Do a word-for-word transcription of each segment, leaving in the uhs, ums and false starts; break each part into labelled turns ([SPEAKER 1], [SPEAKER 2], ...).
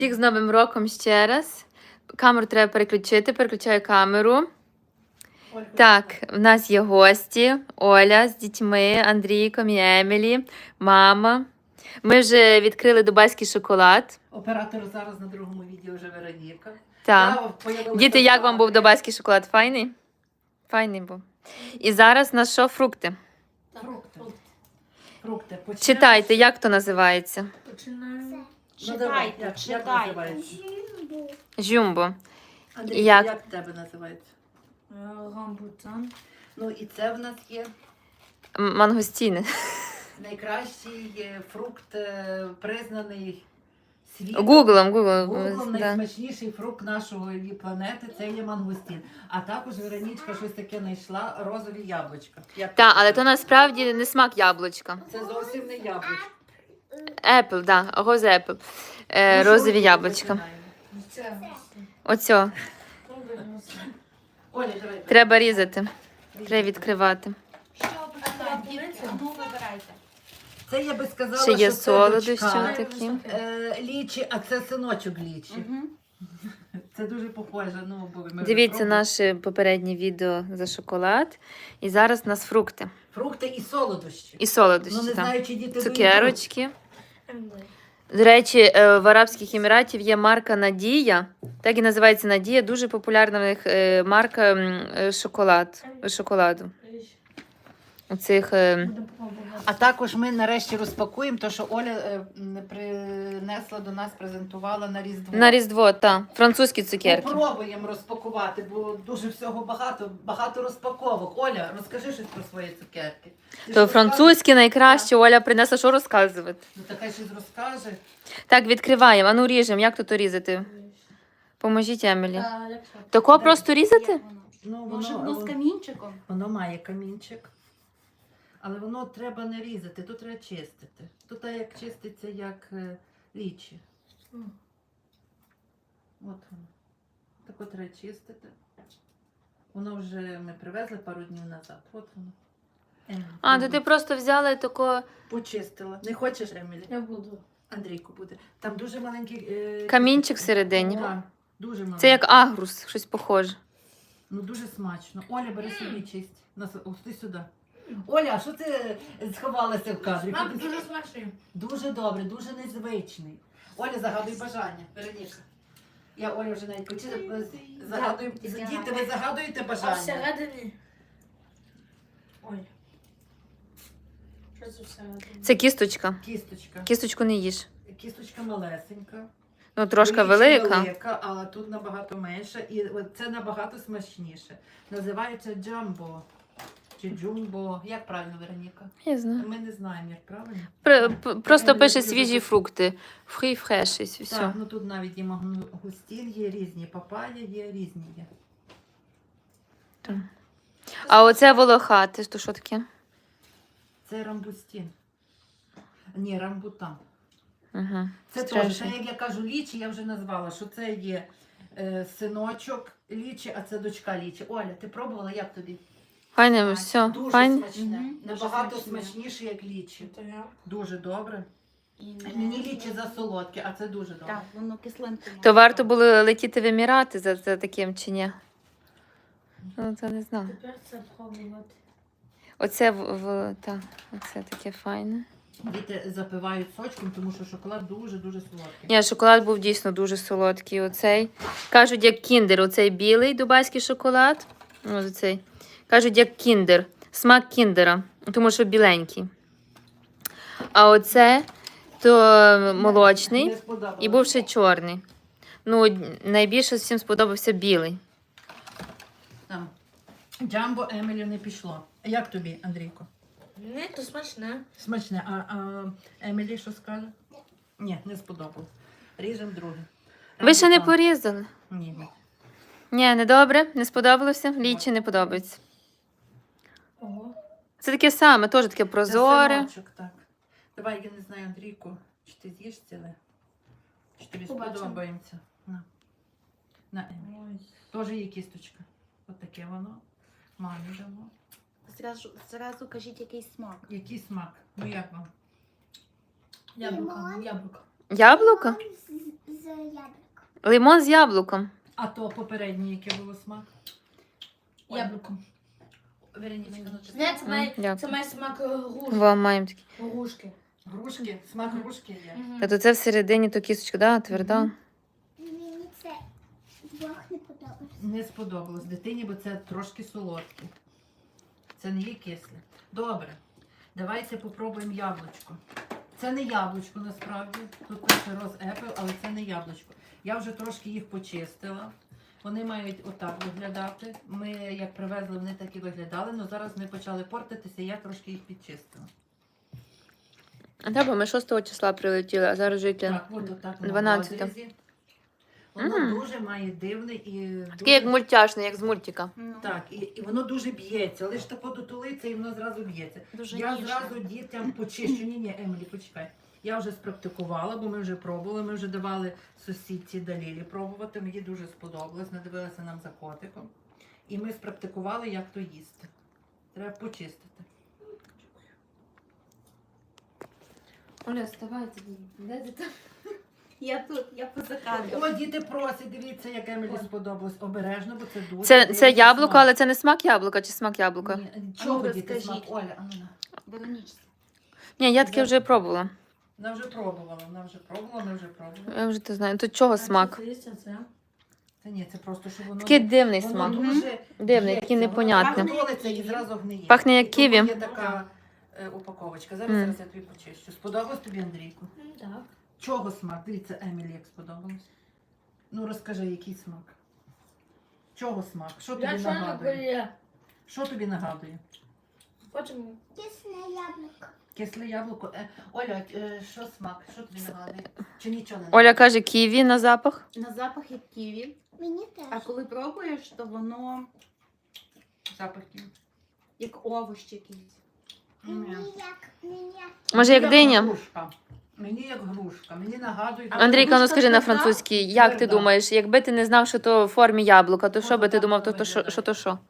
[SPEAKER 1] Всіх з Новим роком ще раз. Камеру треба переключити, переключаю камеру. Так, в нас є гості. Оля з дітьми, Андрійком і Емілі, мама. Ми вже відкрили дубайський шоколад.
[SPEAKER 2] Оператор зараз на другому відео вже Вероніка.
[SPEAKER 1] Так. Діти, як вам був дубайський шоколад? Файний? Файний був. І зараз у нас що? Фрукти.
[SPEAKER 2] Фрукти. Фрукти. Почнемо.
[SPEAKER 1] Читайте, як то називається?
[SPEAKER 3] Починаємо.
[SPEAKER 2] Читайте,
[SPEAKER 3] Читайте,
[SPEAKER 2] як, як
[SPEAKER 3] читайте.
[SPEAKER 2] називається?
[SPEAKER 1] Жумбо.
[SPEAKER 2] Андрій,
[SPEAKER 1] Як?
[SPEAKER 2] як в тебе називається?
[SPEAKER 3] Рамбутан.
[SPEAKER 2] Ну і це в нас є
[SPEAKER 1] М- Мангостіни.
[SPEAKER 2] найкращий е, фрукт, е, признаний світом.
[SPEAKER 1] Гуглом, гуглом.
[SPEAKER 2] Гуглом
[SPEAKER 1] Да.
[SPEAKER 2] найсмачніший фрукт нашої планети це є мангустін. А також Веронічка щось таке знайшла розові яблучка. Як
[SPEAKER 1] Так, але то насправді не смак яблучка.
[SPEAKER 2] Це зовсім не яблучко.
[SPEAKER 1] Apple, да, роз Apple. Е,
[SPEAKER 2] Ну, що
[SPEAKER 1] розові
[SPEAKER 2] ми
[SPEAKER 1] яблучка.
[SPEAKER 2] починаємо?
[SPEAKER 3] Це.
[SPEAKER 1] Оцьо.
[SPEAKER 2] Оля, давай.
[SPEAKER 1] Треба різати. Треба відкривати.
[SPEAKER 3] Що починаємо? Ну, вибирайте.
[SPEAKER 2] Це я би сказала,
[SPEAKER 1] Ще є
[SPEAKER 2] що це
[SPEAKER 1] солодощі
[SPEAKER 2] дочка,
[SPEAKER 1] такі.
[SPEAKER 2] е, лічі, а це синочок лічі. Це дуже похоже. Ну, бо ми вже
[SPEAKER 1] Дивіться
[SPEAKER 2] пробували.
[SPEAKER 1] наше попереднє відео за шоколад. І зараз у нас фрукти.
[SPEAKER 2] Фрукти і солодощі.
[SPEAKER 1] І солодощі.
[SPEAKER 2] Ну, не
[SPEAKER 1] там.
[SPEAKER 2] знаю, чи діти доїдуть.
[SPEAKER 1] Цукерочки. До речі, е, в Арабських Еміратів є марка Надія. Так і називається Надія. Дуже популярна в них е, марка м, е, шоколад, шоколаду. Оцих, е,
[SPEAKER 2] А також ми нарешті розпакуємо те, що Оля е, м, принесла до нас, презентувала на Різдво.
[SPEAKER 1] на Різдво, та, французькі цукерки.
[SPEAKER 2] Попробуємо розпакувати, бо дуже всього багато, багато розпаковок. Оля, розкажи щось про свої цукерки. Ти
[SPEAKER 1] То
[SPEAKER 2] що,
[SPEAKER 1] французькі найкраще. Оля принесла, що розказувати.
[SPEAKER 2] розкажеш? Ну, така щось розкаже.
[SPEAKER 1] Так, відкриваємо. А ну ріжемо. Як тут різати? Поможіть, Емілі.
[SPEAKER 3] А, як що?
[SPEAKER 1] Тако
[SPEAKER 2] Дай.
[SPEAKER 1] просто різати?
[SPEAKER 2] Ну,
[SPEAKER 3] Може,
[SPEAKER 2] воно,
[SPEAKER 3] воно з камінчиком?
[SPEAKER 2] воно має камінчик. Але воно треба не різати, тут треба чистити. Тут так як чиститься, як е, лічі.
[SPEAKER 3] Мгм.
[SPEAKER 2] От воно. Так от треба чистити. Воно вже ми привезли пару днів назад. От воно. Емілі,
[SPEAKER 1] А, то
[SPEAKER 2] пробуй.
[SPEAKER 1] ти просто взяла і тако
[SPEAKER 2] Почистила. Не хочеш, Емілі?
[SPEAKER 3] Я буду.
[SPEAKER 2] Андрійку буде. Там дуже маленький е,
[SPEAKER 1] камінчик всередині.
[SPEAKER 2] Так, дуже маленький.
[SPEAKER 1] Це як агрус, щось похоже.
[SPEAKER 2] Ну дуже смачно. Оля, бери собі чисть. Нас, ось ти сюди. Оля, а що ти сховалася в кадрі?
[SPEAKER 3] Мам, дуже смачний.
[SPEAKER 2] Дуже добре, дуже незвичний. Оля, загадуй бажання. Вероніка. Я Оля вже навіть почала. Загадую.
[SPEAKER 3] Так.
[SPEAKER 2] Діти, ви загадуєте
[SPEAKER 3] А
[SPEAKER 2] бажання?
[SPEAKER 3] всередині? Ой. Що це всередині?
[SPEAKER 1] Це кісточка.
[SPEAKER 2] Кісточка.
[SPEAKER 1] Кісточку не їж.
[SPEAKER 2] Кісточка малесенька.
[SPEAKER 1] Ну, трошки
[SPEAKER 2] Вічі
[SPEAKER 1] велика.
[SPEAKER 2] велика, а тут набагато менша. І от це набагато смачніше. Називається джамбо. Чи джумбо. Як правильно, Вероніка?
[SPEAKER 1] Я знаю.
[SPEAKER 2] Ми не знаємо, як правильно.
[SPEAKER 1] Пр- п- Просто
[SPEAKER 2] Емілі,
[SPEAKER 1] пише
[SPEAKER 2] ти
[SPEAKER 1] свіжі
[SPEAKER 2] любиш?
[SPEAKER 1] фрукти. Фрі, фреш і все.
[SPEAKER 2] Так, ну тут навіть і мангустін є різні, папая є різні є.
[SPEAKER 1] А оце волохате, то що таке?
[SPEAKER 2] Це рамбустін. Ні, рамбутан.
[SPEAKER 1] Угу.
[SPEAKER 2] Це теж, це, як я кажу, лічі, я вже назвала, що це є е, синочок лічі, а це дочка лічі. Оля, ти пробувала, як тобі?
[SPEAKER 1] Файне, все,
[SPEAKER 2] Дуже
[SPEAKER 1] файне.
[SPEAKER 2] смачне.
[SPEAKER 3] Мгм.
[SPEAKER 2] Набагато
[SPEAKER 3] Дуже смачне.
[SPEAKER 2] смачніше, як лічі.
[SPEAKER 3] Це я.
[SPEAKER 2] Дуже добре.
[SPEAKER 3] І
[SPEAKER 2] Мені лічі засолодке, а це дуже добре.
[SPEAKER 4] Так, воно кислинку.
[SPEAKER 1] То варто було летіти в Емірати за, за таким чи ні? Ну, це не знаю.
[SPEAKER 3] Тепер це пробувати.
[SPEAKER 1] Оце, в, в, та, оце таке файне.
[SPEAKER 2] Діти запивають сочком, тому що шоколад дуже-дуже солодкий.
[SPEAKER 1] Ні, шоколад був дійсно дуже солодкий. Оцей. Кажуть, як кіндер. Оцей білий дубайський шоколад. Ось оцей. Кажуть, як кіндер. Смак кіндера. Тому що біленький. А оце то молочний.
[SPEAKER 2] Не сподобалось.
[SPEAKER 1] І був ще чорний. Ну, найбільше всім сподобався білий.
[SPEAKER 2] Там. Джамбо Емілі не пішло. Як тобі, Андрійко?
[SPEAKER 3] Ні, то смачне.
[SPEAKER 2] Смачне. А, а Емілі що скаже? Ні, не сподобалось. Ріжемо друге.
[SPEAKER 1] Ви ще не
[SPEAKER 2] Рамбутан.
[SPEAKER 1] порізали?
[SPEAKER 2] Ні. ні.
[SPEAKER 1] Ні, не добре, не сподобалося. Лічі не подобається.
[SPEAKER 3] Ого.
[SPEAKER 1] Це таке саме, теж таке
[SPEAKER 2] Це
[SPEAKER 1] прозоре.
[SPEAKER 2] синочок, так. Давай, я не знаю, Андрійку, чи ти з'їш ціле? Чи тобі
[SPEAKER 3] Побачимо.
[SPEAKER 2] сподобається? На. На Емілі.
[SPEAKER 3] Ой.
[SPEAKER 2] Теж є кісточка. Ось таке воно. Мамі дамо.
[SPEAKER 4] Зразу, зразу кажіть, який смак.
[SPEAKER 2] Який смак? Ну як вам?
[SPEAKER 3] Яблуко, яблуко.
[SPEAKER 1] Яблуко?
[SPEAKER 5] з яблук.
[SPEAKER 1] Лимон з яблуком.
[SPEAKER 2] А то попереднє, яке було смак?
[SPEAKER 3] Яблуко.
[SPEAKER 2] Веронічка, ну чи
[SPEAKER 3] Ні, це має,
[SPEAKER 1] Дякую.
[SPEAKER 3] це має смак грушки.
[SPEAKER 1] Во, маємо такі.
[SPEAKER 3] Грушки.
[SPEAKER 2] грушки? Смак грушки є.
[SPEAKER 1] Та то це всередині то кісточка, да, тверда.
[SPEAKER 5] Мені це двох не подобається.
[SPEAKER 2] Не сподобалось дитині, бо це трошки солодке. Це не є кисле. Добре. Давайте попробуємо яблучко. Це не яблучко насправді. Тут пише роз Apple, але це не яблучко. Я вже трошки їх почистила. Вони мають отак виглядати. Ми, як привезли, вони так і виглядали, але зараз вони почали портитися, і я трошки їх підчистила.
[SPEAKER 1] А так, бо ми шостого числа прилетіли, а зараз вже яке?
[SPEAKER 2] Так, от отак воно в
[SPEAKER 1] дванадцяте.
[SPEAKER 2] розрізі. Воно
[SPEAKER 1] Мм.
[SPEAKER 2] дуже має дивний і
[SPEAKER 1] Такий як
[SPEAKER 2] дуже...
[SPEAKER 1] мультяшний, як з мультика.
[SPEAKER 4] Ну,
[SPEAKER 2] Так, і, і воно дуже б'ється. Лише тако дотулиться і воно зразу б'ється.
[SPEAKER 4] дуже
[SPEAKER 2] Я
[SPEAKER 4] ніжне.
[SPEAKER 2] зразу дітям почищу. Ні, ні, Емілі, почекай. Я вже спрактикувала, бо ми вже пробували. Ми вже давали сусідці Далілі пробувати. Мені дуже сподобалось. Надивилася нам за котиком. І ми спрактикували, як то їсти. Треба почистити.
[SPEAKER 1] Оля, вставайте, де ти там?
[SPEAKER 4] Я тут, я поза кадром.
[SPEAKER 2] О, діти просять, дивіться, як Емілі сподобалось. Обережно, бо це дуже.
[SPEAKER 1] Це, це
[SPEAKER 2] дивний
[SPEAKER 1] яблуко,
[SPEAKER 2] смак.
[SPEAKER 1] але це не смак яблука чи смак яблука? Ні,
[SPEAKER 2] Ні, чого
[SPEAKER 4] ну,
[SPEAKER 2] діти смак?
[SPEAKER 4] розкажіть.
[SPEAKER 2] Оля, а ну на.
[SPEAKER 4] Веронічці.
[SPEAKER 1] я таке вже пробувала.
[SPEAKER 2] Вона вже пробувала, вона вже пробувала, ми вже пробували.
[SPEAKER 1] Я вже то знаю. Тут чого смак?
[SPEAKER 3] Це є це?
[SPEAKER 2] Та ні, це просто, що воно...
[SPEAKER 1] Такий дивний
[SPEAKER 2] воно
[SPEAKER 1] смак.
[SPEAKER 2] дуже
[SPEAKER 1] Дивний,
[SPEAKER 2] б'ється,
[SPEAKER 1] такий
[SPEAKER 2] воно
[SPEAKER 1] непонятний.
[SPEAKER 2] так толиться і зразу гниє.
[SPEAKER 1] Пахне як
[SPEAKER 2] І тому
[SPEAKER 1] ківі.
[SPEAKER 2] Є така е, упаковочка. Зараз,
[SPEAKER 1] Мм.
[SPEAKER 2] зараз я тобі почищу. Сподобалось тобі, Андрійку?
[SPEAKER 3] М, Так.
[SPEAKER 2] Чого смак? Дивіться, Емілі, як сподобалось. Ну, розкажи, який смак? Чого смак? Що тобі
[SPEAKER 3] Я чайна
[SPEAKER 2] нагадує?
[SPEAKER 3] колія.
[SPEAKER 2] Що тобі нагадує?
[SPEAKER 3] Потім
[SPEAKER 5] Кисне яблуко.
[SPEAKER 2] Кисле яблуко. Е, Оля, е, що смак? Що тобі нагадує? Чи нічого не нагадує?
[SPEAKER 1] Оля каже, ківі на запах.
[SPEAKER 4] На запах як ківі,
[SPEAKER 5] Мені
[SPEAKER 4] а
[SPEAKER 5] теж.
[SPEAKER 4] коли пробуєш, то воно
[SPEAKER 2] Запах ківі.
[SPEAKER 4] як овощ якийсь.
[SPEAKER 5] Мені як, мені як.
[SPEAKER 1] Може, як диня?
[SPEAKER 2] грушка. Мені як грушка. Мені нагадує...
[SPEAKER 4] А
[SPEAKER 1] Андрійка, ну
[SPEAKER 4] грушка
[SPEAKER 1] скажи на
[SPEAKER 4] тверда?
[SPEAKER 1] французькій, як ти
[SPEAKER 2] Тверда.
[SPEAKER 1] думаєш, якби ти не знав, що то в формі яблука, то що
[SPEAKER 2] От
[SPEAKER 1] би ти
[SPEAKER 2] отак
[SPEAKER 1] думав, то,
[SPEAKER 2] воно
[SPEAKER 1] то що,
[SPEAKER 2] виглядає.
[SPEAKER 1] що то що?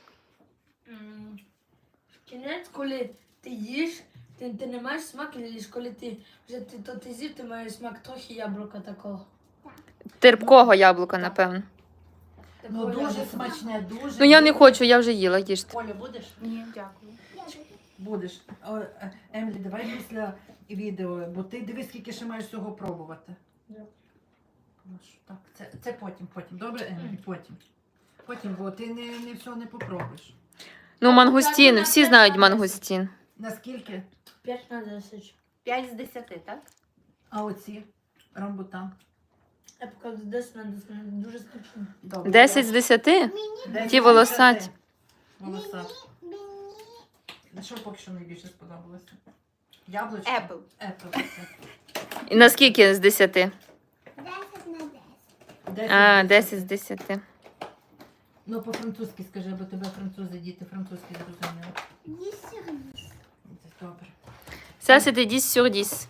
[SPEAKER 3] м, кінець, коли ти їш, ти, ти не маєш смак, і їш, коли ти вже ти, то ти з'їв, ти маєш смак трохи яблука такого.
[SPEAKER 1] Терпкого яблука, напевно.
[SPEAKER 2] Ну,
[SPEAKER 3] Такого
[SPEAKER 2] дуже
[SPEAKER 3] яблука.
[SPEAKER 2] смачне, дуже...
[SPEAKER 1] Ну я не хочу, я вже їла, їжте.
[SPEAKER 2] Оля, будеш?
[SPEAKER 4] Ні, дякую.
[SPEAKER 5] Я люблю.
[SPEAKER 2] Будеш. О, е, Емілі, давай після відео, бо ти дивись, скільки ще маєш всього пробувати.
[SPEAKER 3] Добре.
[SPEAKER 2] Прошу. Так, це, це потім, потім. Добре, Емілі, потім. Потім, бо ти не, не все не попробуєш.
[SPEAKER 1] Ну, мангустін, всі знають мангустін.
[SPEAKER 2] Наскільки?
[SPEAKER 3] п'ять на десять.
[SPEAKER 4] п'ять з десяти, так?
[SPEAKER 2] А оці? Рамбутан.
[SPEAKER 3] Я покажу десять на десять. Дуже смачно.
[SPEAKER 2] Добре.
[SPEAKER 1] десять з десяти?
[SPEAKER 5] Мені,
[SPEAKER 2] Десять
[SPEAKER 1] Ті
[SPEAKER 2] з
[SPEAKER 1] волосаті.
[SPEAKER 2] десяти. Волосаті.
[SPEAKER 5] мені
[SPEAKER 2] Що поки що найбільше сподобалося? Яблучко?
[SPEAKER 4] Apple.
[SPEAKER 2] Apple.
[SPEAKER 1] І наскільки з десяти?
[SPEAKER 5] десять на десять.
[SPEAKER 2] Десять
[SPEAKER 1] А,
[SPEAKER 2] з
[SPEAKER 1] десять з десяти.
[SPEAKER 2] Ну, по-французьки скажи, бо тебе французи, діти французьки зрозуміли.
[SPEAKER 5] Десять.
[SPEAKER 2] Добре.
[SPEAKER 1] Ça, c'était dix sur dix.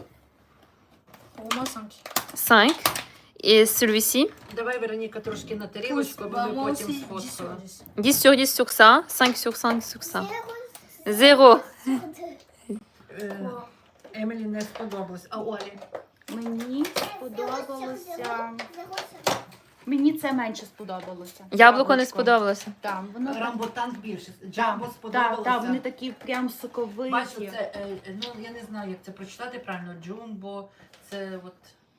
[SPEAKER 3] Pour moi, cinq.
[SPEAKER 1] cinq. Et celui-ci?
[SPEAKER 2] Давай, Вероніка, трошки на тарілочку, бо ми
[SPEAKER 3] Moi
[SPEAKER 2] потім
[SPEAKER 3] aussi, dix
[SPEAKER 2] сфоткали.
[SPEAKER 3] sur dix.
[SPEAKER 1] dix sur dix sur ça, cinq sur cinq sur ça.
[SPEAKER 5] Зеро.
[SPEAKER 1] Zéro.
[SPEAKER 2] Е, Емілі не сподобалось. А Олі?
[SPEAKER 4] Мені сподобалося. Мені це менше сподобалося.
[SPEAKER 1] Яблуко не
[SPEAKER 4] Яблучко.
[SPEAKER 1] сподобалося.
[SPEAKER 4] Там, воно так.
[SPEAKER 2] Рамбутан більше.
[SPEAKER 4] Так,
[SPEAKER 2] Джамбо
[SPEAKER 4] так,
[SPEAKER 2] сподобалося.
[SPEAKER 4] так, вони такі прям соковиті.
[SPEAKER 2] Бачу, це, е, ну, я не знаю, як це прочитати правильно. Джумбо, це от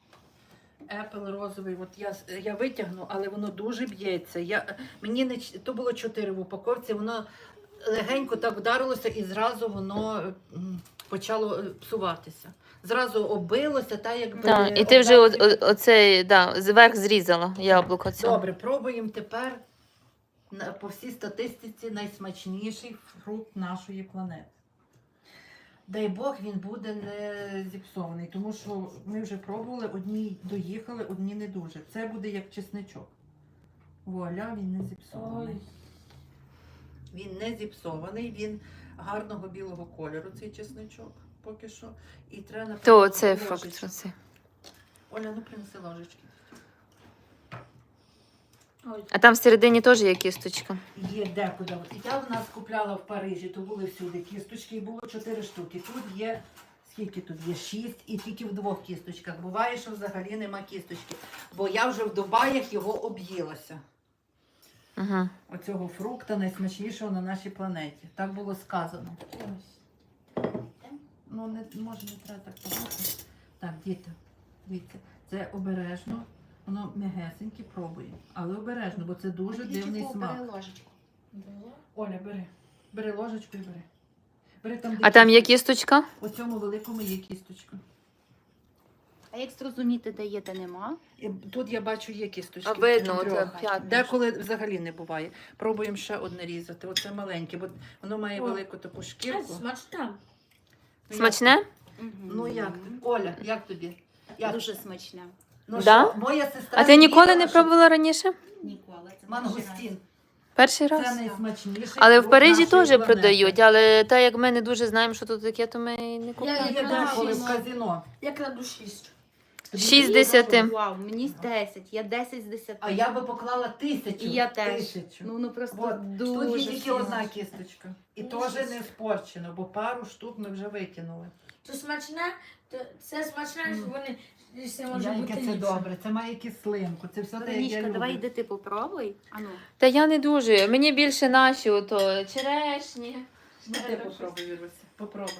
[SPEAKER 2] Apple розовий. От я, с- я витягну, але воно дуже б'ється. Я, мені не, ч- то було чотири в упаковці, воно легенько так вдарилося і зразу воно м, почало е, псуватися. Зразу оббилося, та якби...
[SPEAKER 1] Так, і ти вже о-
[SPEAKER 2] обдарені-
[SPEAKER 1] о- оцей, да, зверх зрізала яблуко цього.
[SPEAKER 2] Добре, пробуємо тепер на- по всій статистиці найсмачніший фрукт нашої планети. Дай Бог, він буде не зіпсований, тому що ми вже пробували, одні доїхали, одні не дуже. Це буде як чесничок. Вуаля, він не зіпсований.
[SPEAKER 3] Ой.
[SPEAKER 2] Він не зіпсований, він гарного білого кольору, цей чесничок поки що. І треба напевно,
[SPEAKER 1] То це фрукт.
[SPEAKER 2] ложечку.
[SPEAKER 1] Оцей.
[SPEAKER 2] Оля, ну принеси ложечки.
[SPEAKER 3] Ой.
[SPEAKER 1] А там всередині теж є кісточка.
[SPEAKER 2] Є декуди. От я в нас купляла в Парижі, то були всюди кісточки, і було чотири штуки. Тут є Скільки тут є? Шість і тільки в двох кісточках. Буває, що взагалі нема кісточки. Бо я вже в Дубаях його об'їлася.
[SPEAKER 1] Угу.
[SPEAKER 2] Оцього фрукта найсмачнішого на нашій планеті. Так було сказано. Ну, не, може, не треба так багато. Так, діти, дивіться, це обережно, воно м'ягесеньке, пробує. Але обережно, бо це дуже дивний смак.
[SPEAKER 4] Бери ложечку.
[SPEAKER 2] Оля, бери. Бери ложечку і бери. Бери там, де
[SPEAKER 1] А там є
[SPEAKER 2] кісточка.
[SPEAKER 1] кісточка?
[SPEAKER 2] У цьому великому є кісточка.
[SPEAKER 4] А як зрозуміти, де є, де нема?
[SPEAKER 2] І тут я бачу є кісточки.
[SPEAKER 1] А видно,
[SPEAKER 2] Трьох.
[SPEAKER 1] оце п'ятне.
[SPEAKER 2] Деколи взагалі не буває. Пробуємо ще одне різати. Оце маленьке, бо воно має
[SPEAKER 3] О.
[SPEAKER 2] велику таку шкірку.
[SPEAKER 3] Смачна.
[SPEAKER 2] Ну,
[SPEAKER 1] Смачне?
[SPEAKER 2] Ну як ти? Оля, як тобі? Як?
[SPEAKER 4] Дуже смачне.
[SPEAKER 2] Ну,
[SPEAKER 1] Да?
[SPEAKER 2] що, моя сестра
[SPEAKER 1] А ти ніколи
[SPEAKER 2] їла,
[SPEAKER 1] не
[SPEAKER 2] що
[SPEAKER 1] пробувала раніше?
[SPEAKER 4] Ніколи. Це
[SPEAKER 2] Мангустін.
[SPEAKER 1] Перший
[SPEAKER 2] Це
[SPEAKER 1] раз?
[SPEAKER 2] найсмачніший.
[SPEAKER 1] Але в
[SPEAKER 2] фрукт
[SPEAKER 1] Парижі
[SPEAKER 2] нашої
[SPEAKER 1] теж
[SPEAKER 2] планети.
[SPEAKER 1] продають, але так як ми не дуже знаємо, що тут таке, то ми і не
[SPEAKER 3] Я-
[SPEAKER 1] купуємо.
[SPEAKER 2] Є деколи в казино.
[SPEAKER 3] Я кладу шість.
[SPEAKER 1] Шість з десяти.
[SPEAKER 4] Вау, мені десять. Я десять з десяти.
[SPEAKER 2] А я би поклала тисячу.
[SPEAKER 4] І я теж.
[SPEAKER 2] Тисячу.
[SPEAKER 4] Ну, ну просто
[SPEAKER 2] От,
[SPEAKER 4] дуже
[SPEAKER 2] тут є тільки
[SPEAKER 4] сильно.
[SPEAKER 2] одна кісточка. І теж не спорчено, бо пару штук ми вже викинули.
[SPEAKER 3] То смачне, то це смачне, що вони це може
[SPEAKER 2] Яйка
[SPEAKER 3] бути
[SPEAKER 2] це
[SPEAKER 3] ліпше.
[SPEAKER 2] добре, це має кислинку, це все те, як я
[SPEAKER 4] Веронічка,
[SPEAKER 2] люблю.
[SPEAKER 4] давай йди ти попробуй. Ану.
[SPEAKER 1] Та я не дуже. Мені більше наші ото черешні.
[SPEAKER 2] Ну, ти попробуй, Віруся, попробуй.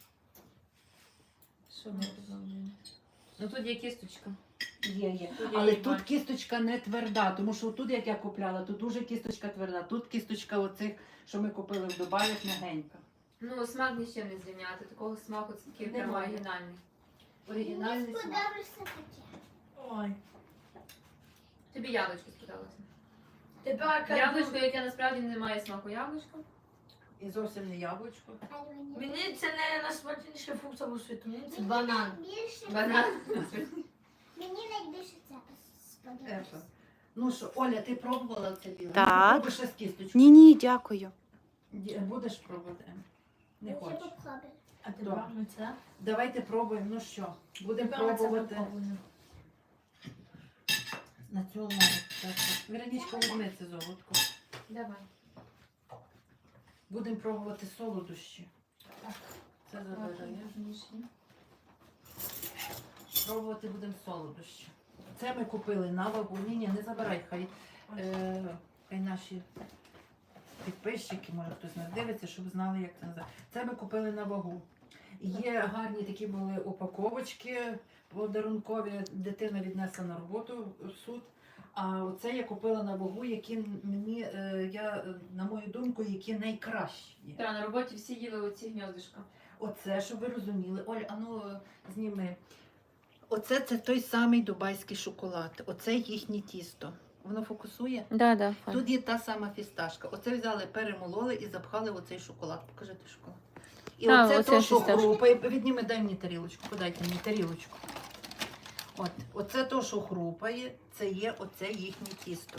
[SPEAKER 1] Що ми робимо? Ну тут є кісточка.
[SPEAKER 2] Є, є.
[SPEAKER 1] Тут я
[SPEAKER 2] Але
[SPEAKER 1] її
[SPEAKER 2] тут
[SPEAKER 1] бачу.
[SPEAKER 2] кісточка не тверда, тому що тут, як я купляла, тут дуже кісточка тверда. Тут кісточка оцих, що ми купили в Дубаях, м'ягенька.
[SPEAKER 1] Ну, смак ні з чим не зрівняти. Такого смаку це такий прямо
[SPEAKER 3] Немає.
[SPEAKER 1] оригінальний.
[SPEAKER 5] Мені
[SPEAKER 2] Оригінальний смак.
[SPEAKER 5] сподобався таке.
[SPEAKER 3] Ой.
[SPEAKER 1] Тобі яблучко сподобалося?
[SPEAKER 3] Тепер кажу,
[SPEAKER 1] Яблучко, яке насправді не має смаку яблучко.
[SPEAKER 2] І зовсім не яблучко.
[SPEAKER 5] Але мені
[SPEAKER 3] мені це не найсмачніший фрукт у світу, мені це банан.
[SPEAKER 5] більше
[SPEAKER 1] Банан.
[SPEAKER 5] Мені найбільше це сподобалося.
[SPEAKER 2] Ефа. Ну що, Оля, ти пробувала це біле?
[SPEAKER 4] Так.
[SPEAKER 2] Пробуй ще з кісточкою.
[SPEAKER 4] Ні, ні, дякую.
[SPEAKER 2] Ді- Будеш пробувати? Ем? Не
[SPEAKER 5] Я
[SPEAKER 2] хочеш.
[SPEAKER 5] попробую.
[SPEAKER 3] А ти
[SPEAKER 2] Добре.
[SPEAKER 3] брав це?
[SPEAKER 2] Давайте пробуємо. Ну що, будемо
[SPEAKER 3] Тепер ми це
[SPEAKER 2] пробувати
[SPEAKER 3] попробуємо.
[SPEAKER 2] на цю лаву. Так, так. Веронічка, візьми це золотко.
[SPEAKER 1] Давай.
[SPEAKER 2] Будемо пробувати солодощі. Це забирає. Пробувати будемо солодощі. Це ми купили на вагу. Ні, ні, не забирай, хай, е, хай наші підписчики, може хтось нас дивиться, щоб знали, як це називається. Це ми купили на вагу. Є гарні такі були упаковочки подарункові. Дитина віднесла на роботу в суд. А оце я купила на вагу, які мені, е, я, е, на мою думку, які найкращі.
[SPEAKER 1] Так, на роботі всі їли оці гніздишка.
[SPEAKER 2] Оце, щоб ви розуміли. Оль, а ну зніми. Оце це той самий дубайський шоколад. Оце їхнє тісто. Воно фокусує.
[SPEAKER 1] Да, да, файн.
[SPEAKER 2] Тут є та сама фісташка. Оце взяли, перемололи і запхали в оцей шоколад. Покажи той шоколад. І
[SPEAKER 1] А,
[SPEAKER 2] оце
[SPEAKER 1] оце
[SPEAKER 2] то, що
[SPEAKER 1] фісташка.
[SPEAKER 2] хрупає. Відніми, дай мені тарілочку, подайте мені тарілочку. От, оце то, що хрупає, це є оце їхнє тісто.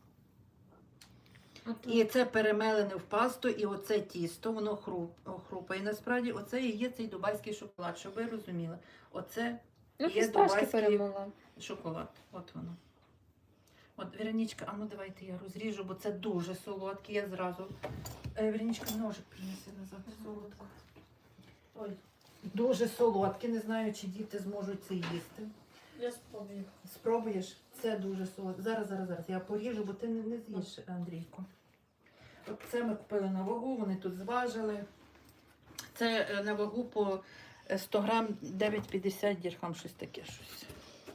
[SPEAKER 2] І це перемелене в пасту, і оце тісто, воно хруп, хрупає. Насправді, оце і є цей дубайський шоколад, щоб ви розуміли. Оце
[SPEAKER 1] Ну,
[SPEAKER 2] є
[SPEAKER 1] фісташки
[SPEAKER 2] дубайський
[SPEAKER 1] перемогла.
[SPEAKER 2] шоколад. От воно. От, Веронічка, а ну давайте я розріжу, бо це дуже солодкий. Я зразу. Е, Веронічка, ножик принеси назад. Солодко. Ой, дуже солодке. Не знаю, чи діти зможуть це їсти.
[SPEAKER 3] Я спробую.
[SPEAKER 2] Спробуєш? Це дуже солодке. Зараз, зараз, зараз. Я поріжу, бо ти не, не з'їш, Андрійко. От це ми купили на вагу, вони тут зважили. Це е, на вагу по е, сто грам дев'ять п'ятдесят дірхам, щось таке щось.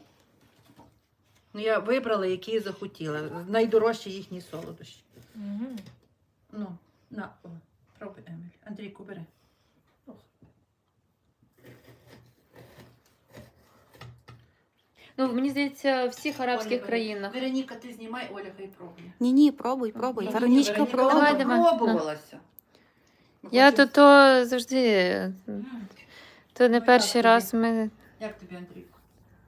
[SPEAKER 2] Ну, я вибрала, які я захотіла. Найдорожчі їхні солодощі.
[SPEAKER 3] Угу.
[SPEAKER 2] Ну, на, о, пробуй, Еміль. Андрійку, бери.
[SPEAKER 1] Ну, мені здається, в всіх арабських
[SPEAKER 2] Оля,
[SPEAKER 1] країнах.
[SPEAKER 2] Вероніка, ти знімай, Оля хай пробує.
[SPEAKER 4] Ні, ні, пробуй, пробуй.
[SPEAKER 2] Ні,
[SPEAKER 4] Веронічка,
[SPEAKER 2] Вероніка,
[SPEAKER 4] пробуй.
[SPEAKER 1] Давай,
[SPEAKER 2] вона
[SPEAKER 1] давай.
[SPEAKER 2] пробувалася. Ми
[SPEAKER 1] Я
[SPEAKER 2] хочемо-
[SPEAKER 1] то, то завжди. То не
[SPEAKER 2] Ну,
[SPEAKER 1] перший
[SPEAKER 2] як
[SPEAKER 1] раз
[SPEAKER 2] тобі?
[SPEAKER 1] ми
[SPEAKER 2] Як тобі, Андрійко?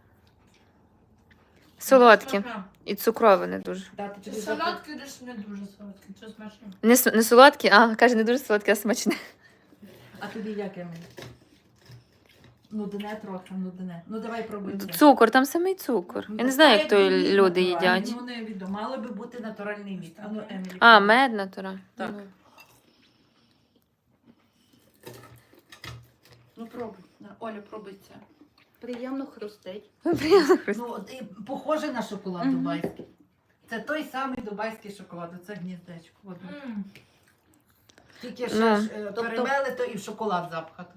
[SPEAKER 1] солодкі. І цукрове не дуже.
[SPEAKER 2] Дати
[SPEAKER 3] Це
[SPEAKER 2] тобі
[SPEAKER 3] солодкий, десь не дуже солодкий, це смачно.
[SPEAKER 1] Не, с- не солодкі, а каже, не дуже солодкі, а смачне.
[SPEAKER 2] А тобі як, Еміль? Нудне трохи, нудне. Ну давай пробуй. це.
[SPEAKER 1] Цукор, там самий цукор. Я не знаю, як то
[SPEAKER 2] Мед
[SPEAKER 1] люди
[SPEAKER 2] натуральний,
[SPEAKER 1] їдять.
[SPEAKER 2] Ну, не відомо. Мало би бути натуральний мід. А ну, Емілі.
[SPEAKER 1] А,
[SPEAKER 2] пробуй.
[SPEAKER 1] мед натура.
[SPEAKER 2] Так.
[SPEAKER 1] Ну.
[SPEAKER 2] Ну пробуй. На, Оля, пробуй це.
[SPEAKER 4] Приємно хрустить.
[SPEAKER 2] Ну, от і похоже на шоколад
[SPEAKER 4] Мгм.
[SPEAKER 2] дубайський. Це той самий дубайський шоколад, оце гніздечко. От.
[SPEAKER 3] М.
[SPEAKER 2] Тільки ще
[SPEAKER 1] Ну,
[SPEAKER 2] ж е,
[SPEAKER 4] тобто-
[SPEAKER 2] перемели, то і в шоколад запхати.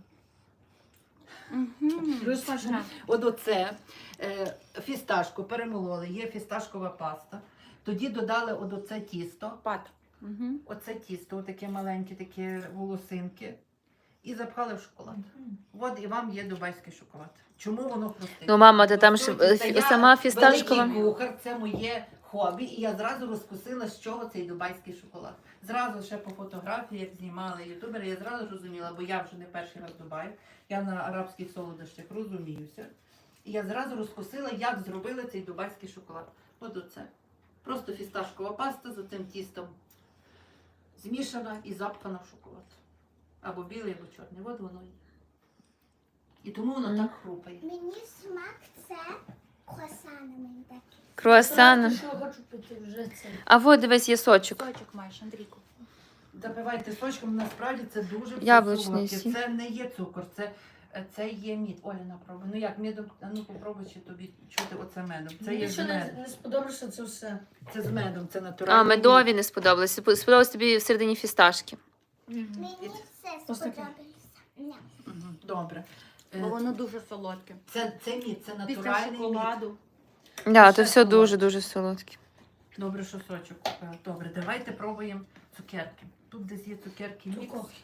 [SPEAKER 4] Угу.
[SPEAKER 2] Дуже смачно. От оце е, фісташку перемололи, є фісташкова паста. Тоді додали от оце тісто,
[SPEAKER 4] Пат. Угу.
[SPEAKER 2] оце тісто, таке маленькі такі волосинки. І запхали в шоколад. От і вам є дубайський шоколад. Чому воно хрустить?
[SPEAKER 1] Ну, мама, ти там
[SPEAKER 2] По
[SPEAKER 1] ж
[SPEAKER 2] суті,
[SPEAKER 1] е,
[SPEAKER 2] це
[SPEAKER 1] фі-
[SPEAKER 2] я
[SPEAKER 1] сама фісташкова.
[SPEAKER 2] Великий кухар, це моє хобі, і я зразу розкусила, з чого цей дубайський шоколад. Зразу ще по фотографії, як знімали ютубери, я зразу розуміла, бо я вже не перший раз в Дубаї, я на арабських солодощах розуміюся. І я зразу розкусила, як зробили цей дубайський шоколад. От оце. Просто фісташкова паста з цим тістом змішана і запхана в шоколад. Або білий, або чорний. От воно є. І тому воно
[SPEAKER 1] Мгм.
[SPEAKER 2] так хрупає.
[SPEAKER 5] Мені смак це круасани мені такі.
[SPEAKER 1] Круасани.
[SPEAKER 3] Що я хочу пити вже це.
[SPEAKER 1] А от дивись, є сочок.
[SPEAKER 4] Сочок маєш, Андрійку.
[SPEAKER 2] Запивайте сочком, насправді це дуже все
[SPEAKER 1] Яблучний
[SPEAKER 2] солодке.
[SPEAKER 1] сік.
[SPEAKER 2] Це не є цукор, це, це є мід. Оля, напробуй. Ну як медом, а ну попробуй, чи тобі чути оце медом. Це є
[SPEAKER 3] Мені
[SPEAKER 2] з
[SPEAKER 3] ще не,
[SPEAKER 2] медом.
[SPEAKER 3] не сподобалося це все.
[SPEAKER 2] Це з медом, це натуральний
[SPEAKER 1] А, медові не сподобалось. Спо- Сподобалось тобі всередині фісташки.
[SPEAKER 5] Мені це
[SPEAKER 3] Ось таке.
[SPEAKER 5] сподобалося. Ні.
[SPEAKER 2] мід. Мгм, добре. Е,
[SPEAKER 4] Бо воно дуже солодке.
[SPEAKER 2] Це, це мід, це
[SPEAKER 4] Після
[SPEAKER 2] натуральний мід.
[SPEAKER 4] шоколаду.
[SPEAKER 1] Да,
[SPEAKER 2] Ще
[SPEAKER 1] то все
[SPEAKER 2] солодке.
[SPEAKER 1] дуже-дуже солодке.
[SPEAKER 2] Добре, що сочок купила. Добре, давайте пробуємо цукерки. Тут десь є цукерки мікс.
[SPEAKER 3] Цукорки.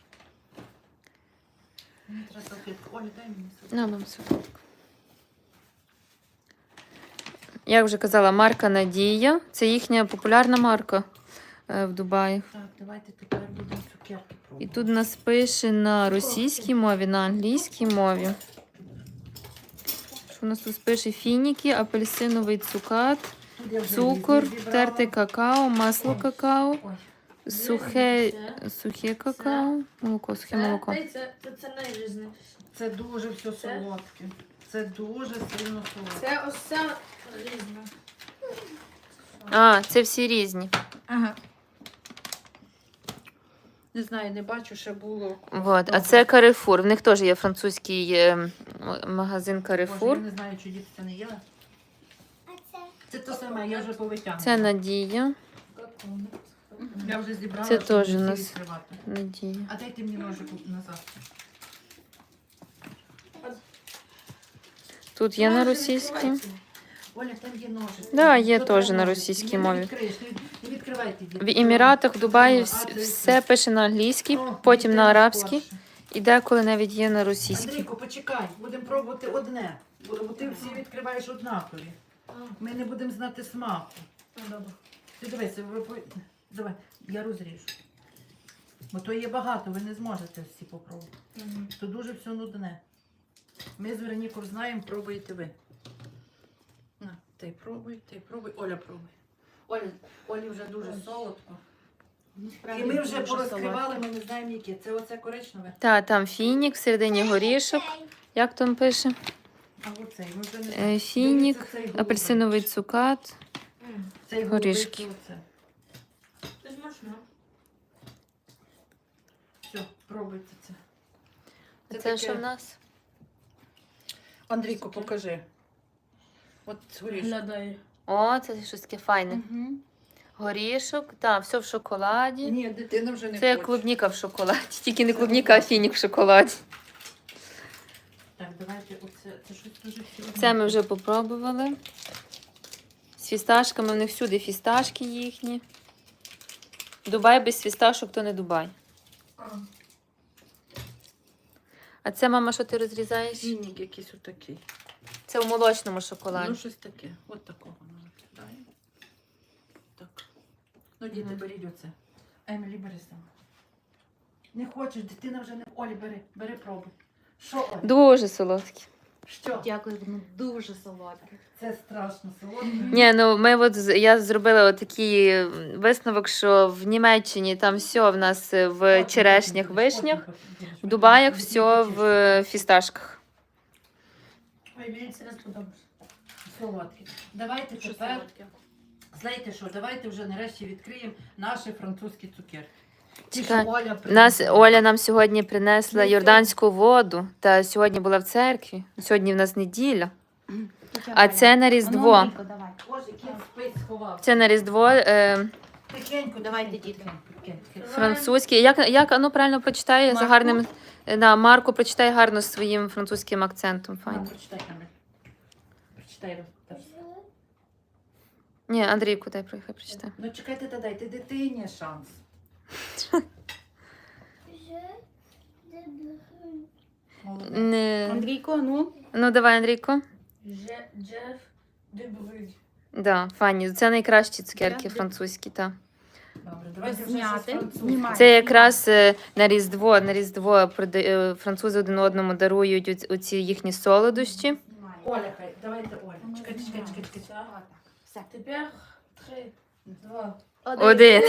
[SPEAKER 2] Мені треба салфетку. Оля, дай мені салфетку.
[SPEAKER 1] На, мам, солодко. Як вже казала, марка Надія. Це їхня популярна марка е, в Дубаї.
[SPEAKER 2] Так, давайте тепер будемо цукерки
[SPEAKER 1] І
[SPEAKER 2] пробувати.
[SPEAKER 1] тут нас пише на російській мові, на англійській мові. Що у нас тут пише фініки, апельсиновий цукат,
[SPEAKER 2] Тут я вже
[SPEAKER 1] цукор,
[SPEAKER 2] різні зібрала.
[SPEAKER 1] терте какао, масло какао,
[SPEAKER 2] Ой.
[SPEAKER 1] сухе, сухе какао, молоко, сухе молоко.
[SPEAKER 3] Це, це, це, це найрізніше.
[SPEAKER 2] Це дуже все
[SPEAKER 3] Це?
[SPEAKER 2] солодке. Це дуже сильно солодке.
[SPEAKER 3] Це ось це різне.
[SPEAKER 1] А, це всі різні.
[SPEAKER 2] Ага. Не знаю, не бачу, ще було.
[SPEAKER 1] Вот. А це Carrefour. В них теж є французький е, м- магазин
[SPEAKER 2] Боже, я
[SPEAKER 1] Carrefour.
[SPEAKER 2] не знаю, чи діти це не їли.
[SPEAKER 5] А це
[SPEAKER 2] Це те саме, я вже повитягнула.
[SPEAKER 1] Це Надія.
[SPEAKER 2] Я вже зібрала,
[SPEAKER 1] Це
[SPEAKER 2] щоб
[SPEAKER 1] теж
[SPEAKER 2] всі
[SPEAKER 1] у нас.
[SPEAKER 2] відкривати.
[SPEAKER 1] Надія.
[SPEAKER 2] А дайте мені ножик назад.
[SPEAKER 1] Тут є на російській.
[SPEAKER 2] Оля, там є ножик.
[SPEAKER 1] Да, є
[SPEAKER 2] Тут
[SPEAKER 1] теж
[SPEAKER 2] треба
[SPEAKER 1] на
[SPEAKER 2] ножик.
[SPEAKER 1] російській
[SPEAKER 2] Не
[SPEAKER 1] мові.
[SPEAKER 2] відкриєш, не- Не відкривайте, діти.
[SPEAKER 1] В Еміратах, в Дубаї
[SPEAKER 2] А,
[SPEAKER 1] вс-
[SPEAKER 2] це-
[SPEAKER 1] все пише на англійській,
[SPEAKER 2] О,
[SPEAKER 1] потім
[SPEAKER 2] діти
[SPEAKER 1] на арабській,
[SPEAKER 2] скорше.
[SPEAKER 1] і деколи навіть є на російській.
[SPEAKER 2] Андрійко, почекай, будемо пробувати одне. Бо бо ти всі відкриваєш однакові. Ми не будемо знати смаку.
[SPEAKER 3] Добре.
[SPEAKER 2] Ти дивися, ви по- давай, я розріжу. Бо то є багато, ви не зможете всі попробувати.
[SPEAKER 3] Мгм.
[SPEAKER 2] То дуже все нудне. Ми з Веронікою знаємо, пробуєте ви. На, ти пробуй, ти пробуй, Оля пробуй. Оля, Олі вже дуже солодко. І ми вже порозкривали, ми не знаємо які. Це оце коричневе.
[SPEAKER 1] Та, там фінік, всередині горішок.
[SPEAKER 5] цей.
[SPEAKER 1] Як там пише?
[SPEAKER 2] А оцей, ми вже не
[SPEAKER 1] Е,
[SPEAKER 2] знаємо.
[SPEAKER 1] Фінік,
[SPEAKER 2] Дивіться, цей голубий.
[SPEAKER 1] апельсиновий цукат.
[SPEAKER 3] М.
[SPEAKER 2] Цей голубий,
[SPEAKER 1] горішки.
[SPEAKER 2] це оце.
[SPEAKER 3] Це смачно.
[SPEAKER 2] Все, пробуйте це.
[SPEAKER 1] Це,
[SPEAKER 2] таке-
[SPEAKER 1] що в нас?
[SPEAKER 2] Андрійко, покажи. От горішок.
[SPEAKER 3] Глядає.
[SPEAKER 1] О, це щось таке файне.
[SPEAKER 4] Угу.
[SPEAKER 1] Горішок, так, все в шоколаді.
[SPEAKER 2] Ні, дитина вже не
[SPEAKER 1] Це як
[SPEAKER 2] хоче.
[SPEAKER 1] клубніка в шоколаді. Тільки не клубніка, а фінік в шоколаді.
[SPEAKER 2] Так, давайте оце. Це щось дуже всі
[SPEAKER 1] Це ми вже попробували. З фісташками, в них всюди фісташки їхні. Дубай без фісташок, то не Дубай.
[SPEAKER 3] А.
[SPEAKER 1] А це, мама, що ти розрізаєш?
[SPEAKER 2] Фінік якийсь отакий.
[SPEAKER 1] Це у молочному шоколаді.
[SPEAKER 2] Ну, щось таке. От такого воно виглядає. Так. Ну, діти,
[SPEAKER 1] Мгм.
[SPEAKER 2] беріть оце. Емілі, бери сама. Не хочеш, дитина вже не. Олі, бери, бери пробуй. Що, Олі?
[SPEAKER 1] Дуже солодкі.
[SPEAKER 2] Що?
[SPEAKER 4] Дякую, воно дуже солодке.
[SPEAKER 2] Це страшно солодко.
[SPEAKER 1] Ні, ну ми от з- я зробила от такий висновок, що в Німеччині там все в нас в черешнях, вишнях, в Дубаях все в фісташках.
[SPEAKER 3] Ой, мені це не сподобалося.
[SPEAKER 2] Солодкі. Давайте
[SPEAKER 4] Що
[SPEAKER 2] тепер,
[SPEAKER 4] солодке?
[SPEAKER 2] знаєте що, давайте вже нарешті відкриємо наші французькі цукерки. Ті,
[SPEAKER 1] Чекай,
[SPEAKER 2] що Оля
[SPEAKER 1] Нас
[SPEAKER 2] принесла.
[SPEAKER 1] Оля нам сьогодні принесла
[SPEAKER 2] Ну,
[SPEAKER 1] йорданську воду, та сьогодні була в церкві. Сьогодні в нас неділя. А це на Різдво.
[SPEAKER 4] Андрійко, давай.
[SPEAKER 2] Боже, кіт спить, сховав.
[SPEAKER 1] Це на Різдво е,
[SPEAKER 2] Тихенько,
[SPEAKER 4] Давайте,
[SPEAKER 2] тихенько,
[SPEAKER 4] дітки.
[SPEAKER 2] тихенько, тихенько.
[SPEAKER 1] французький. Як, як ну, правильно прочитає з
[SPEAKER 2] Марко?
[SPEAKER 1] гарним. е, Да, Марко прочитає гарно з своїм французьким акцентом.
[SPEAKER 2] На,
[SPEAKER 1] Файно.
[SPEAKER 2] прочитай, Андрій. Прочитай, Рос.
[SPEAKER 1] Ні, Андрійку дай хай прочитає.
[SPEAKER 2] Ну чекайте, та дайте дитині шанс.
[SPEAKER 5] Je débrouille.
[SPEAKER 2] Молодець.
[SPEAKER 1] Не...
[SPEAKER 4] Андрійко, ну.
[SPEAKER 1] Ну давай, Андрійко.
[SPEAKER 3] Же- Джеф де Брюгь.
[SPEAKER 1] Да, файні. Це найкращі цукерки
[SPEAKER 4] Я-
[SPEAKER 1] французькі, так.
[SPEAKER 2] Добре, давайте вже
[SPEAKER 4] Зняти.
[SPEAKER 2] щось французьке.
[SPEAKER 4] Знімай.
[SPEAKER 1] Це якраз е, на Різдво, на Різдво прода- е, французи один одному дарують оці- оці їхні солодощі.
[SPEAKER 4] Знімай.
[SPEAKER 2] Оля, хай, давайте Оля.
[SPEAKER 4] Ну,
[SPEAKER 2] Чекайте, чекайте,
[SPEAKER 4] знімай.
[SPEAKER 2] чекайте, чекайте.
[SPEAKER 4] Отак. Все.
[SPEAKER 3] Тепер три, два.
[SPEAKER 1] Один.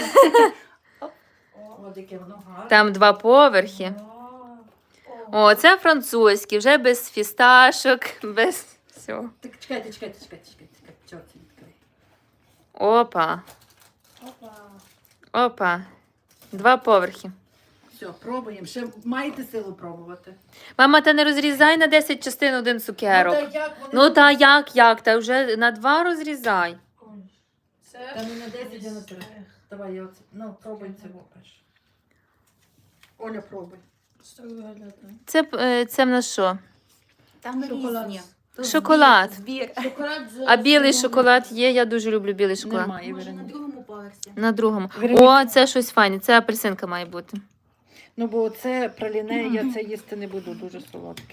[SPEAKER 2] О, яке воно гарне.
[SPEAKER 1] Там два поверхи.
[SPEAKER 3] О.
[SPEAKER 1] О, це французькі, вже без фісташок, без всього.
[SPEAKER 2] Так, чекайте, чекайте, чекайте, чекайте, чекайте, чого це відкрий.
[SPEAKER 1] Опа,
[SPEAKER 3] Опа.
[SPEAKER 1] опа. Два поверхи.
[SPEAKER 2] Все, пробуємо. Ще маєте силу пробувати?
[SPEAKER 1] Мама, та не розрізай на десять частин один цукерок.
[SPEAKER 2] Ну, та як вони...
[SPEAKER 1] Ну та як, як? Та вже на два розрізай.
[SPEAKER 3] Ой.
[SPEAKER 2] Та
[SPEAKER 3] Це
[SPEAKER 2] не на десять, а на три. Давай, я оце... Ну, пробуй це перше. Оля, пробуй.
[SPEAKER 3] що виглядає?
[SPEAKER 1] Це, е, це в нас що?
[SPEAKER 4] Там
[SPEAKER 3] Шоколад.
[SPEAKER 4] різні. Тут
[SPEAKER 1] Шоколад.
[SPEAKER 4] Збір. збір.
[SPEAKER 3] Шоколад з-
[SPEAKER 1] А білий
[SPEAKER 3] з-
[SPEAKER 1] шоколад є, я дуже люблю білий шоколад.
[SPEAKER 2] Немає,
[SPEAKER 4] Може, на
[SPEAKER 2] Вероніка.
[SPEAKER 4] другому поверсі.
[SPEAKER 1] На другому.
[SPEAKER 2] Вероніка.
[SPEAKER 1] О, це щось файне, це апельсинка має бути.
[SPEAKER 2] Ну, бо це праліне, я це їсти не буду, дуже солодке.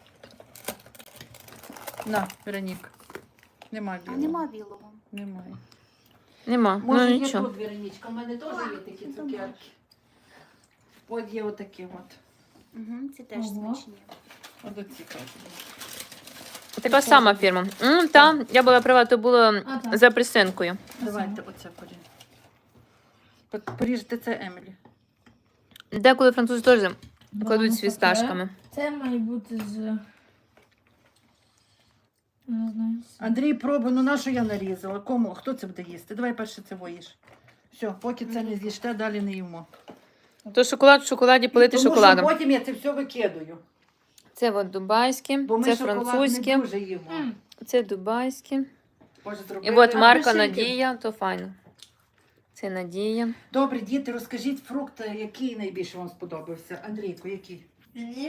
[SPEAKER 2] На, Вероніка. Нема
[SPEAKER 4] А
[SPEAKER 2] білого.
[SPEAKER 4] нема білого.
[SPEAKER 2] Немає.
[SPEAKER 1] Нема.
[SPEAKER 2] Може,
[SPEAKER 1] ну
[SPEAKER 2] є
[SPEAKER 1] нічого.
[SPEAKER 2] тут, Веронічка, у мене теж є такі цукерки. От є отакі от.
[SPEAKER 4] Угу, це теж
[SPEAKER 3] Ого.
[SPEAKER 4] смачні.
[SPEAKER 2] От оці кажуть.
[SPEAKER 1] Така сама фірма. М, та, я була права, то було
[SPEAKER 3] А, так.
[SPEAKER 1] з апельсинкою.
[SPEAKER 2] Давайте оце поріжемо. По- Поріжте це Емілі.
[SPEAKER 1] Деколи французи теж
[SPEAKER 3] Два
[SPEAKER 1] кладуть з
[SPEAKER 3] навпаки.
[SPEAKER 1] фісташками.
[SPEAKER 3] Це має бути з. Не знаю. з-
[SPEAKER 2] Андрій, пробуй, ну на що я нарізала? Кому? Хто це буде їсти? Давай перше це воїш. Все, поки це не з'їсте, далі не їмо.
[SPEAKER 1] То шоколад в шоколаді полити
[SPEAKER 2] Тому
[SPEAKER 1] шоколадом.
[SPEAKER 2] що потім я це все викидаю.
[SPEAKER 1] Це от дубайське,
[SPEAKER 2] Бо ми
[SPEAKER 1] це
[SPEAKER 2] шоколад
[SPEAKER 1] французьке,
[SPEAKER 2] не дуже їмо.
[SPEAKER 3] М.
[SPEAKER 1] це дубайське.
[SPEAKER 2] Боже,
[SPEAKER 1] І
[SPEAKER 2] зробили
[SPEAKER 1] от Марка
[SPEAKER 2] апельсинки.
[SPEAKER 1] Надія, то файно. Це Надія.
[SPEAKER 2] Добре, діти, розкажіть фрукт, який найбільше вам сподобався. Андрійко, який?
[SPEAKER 3] Мені